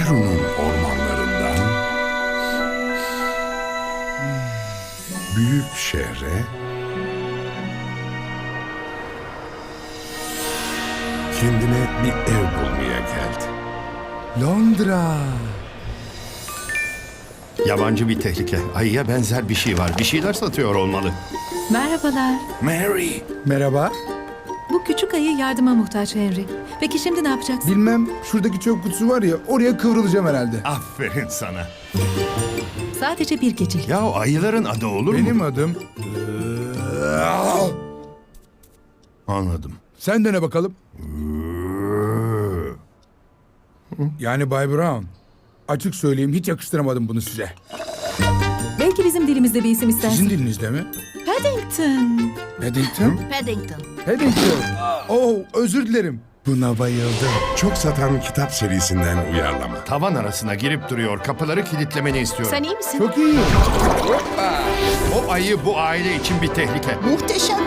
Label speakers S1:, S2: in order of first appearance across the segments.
S1: Peru'nun ormanlarından büyük şehre kendine bir ev bulmaya geldi.
S2: Londra.
S3: Yabancı bir tehlike. Ayıya benzer bir şey var. Bir şeyler satıyor olmalı.
S4: Merhabalar.
S1: Mary,
S2: Merhaba.
S4: Bu küçük ayı yardıma muhtaç Henry. Peki şimdi ne yapacaksın?
S2: Bilmem, şuradaki çöp kutusu var ya, oraya kıvrılacağım herhalde.
S3: Aferin sana.
S4: Sadece bir gecelik.
S3: Ya ayıların adı olur mu?
S2: Benim adım...
S3: Anladım.
S2: Sen dene bakalım. Yani Bay Brown. Açık söyleyeyim, hiç yakıştıramadım bunu size.
S4: Belki bizim dilimizde bir isim istersin.
S2: Sizin dilinizde mi?
S4: Paddington.
S2: Paddington?
S4: Paddington.
S2: Paddington. Oh, özür dilerim. Buna bayıldım.
S1: çok satan kitap serisinden uyarlama.
S3: Tavan arasına girip duruyor. Kapıları kilitlemeni istiyorum.
S4: Sen iyi misin?
S2: Çok iyi.
S3: O ayı bu aile için bir tehlike.
S5: Muhteşem.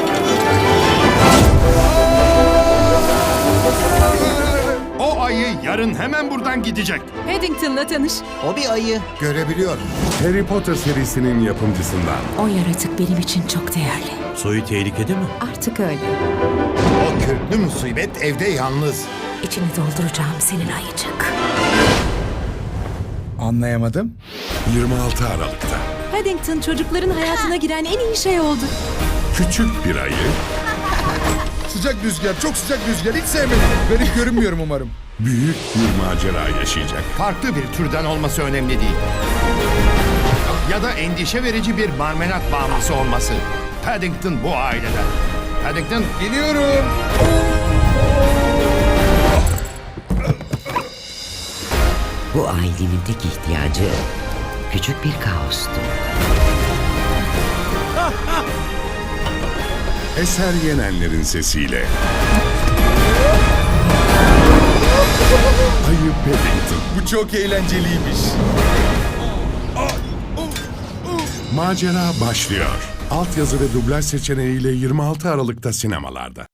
S3: O ayı yarın hemen buradan gidecek.
S4: Paddington'la tanış.
S5: O bir ayı.
S1: Görebiliyorum. Harry Potter serisinin yapımcısından.
S4: O yaratık benim için çok değerli.
S6: Soyu tehlikede mi?
S4: Artık öyle.
S7: O köklü musibet evde yalnız.
S4: İçini dolduracağım senin ayıcık.
S2: Anlayamadım.
S1: 26 Aralık'ta
S4: Paddington çocukların hayatına giren en iyi şey oldu.
S1: küçük bir ayı
S2: Sıcak rüzgar, çok sıcak rüzgar. Hiç sevmedim. Garip görünmüyorum umarım.
S1: büyük bir macera yaşayacak.
S3: Farklı bir türden olması önemli değil. Ya da endişe verici bir marmelat bağımlısı olması. Paddington bu aileden. Paddington,
S2: Geliyorum.
S8: Bu ailenin tek ihtiyacı küçük bir kaostu.
S1: Eser Yenenler'in sesiyle. Ayı Paddington.
S2: Bu çok eğlenceliymiş.
S1: Macera başlıyor. Altyazı ve dublaj seçeneğiyle 26 Aralık'ta sinemalarda.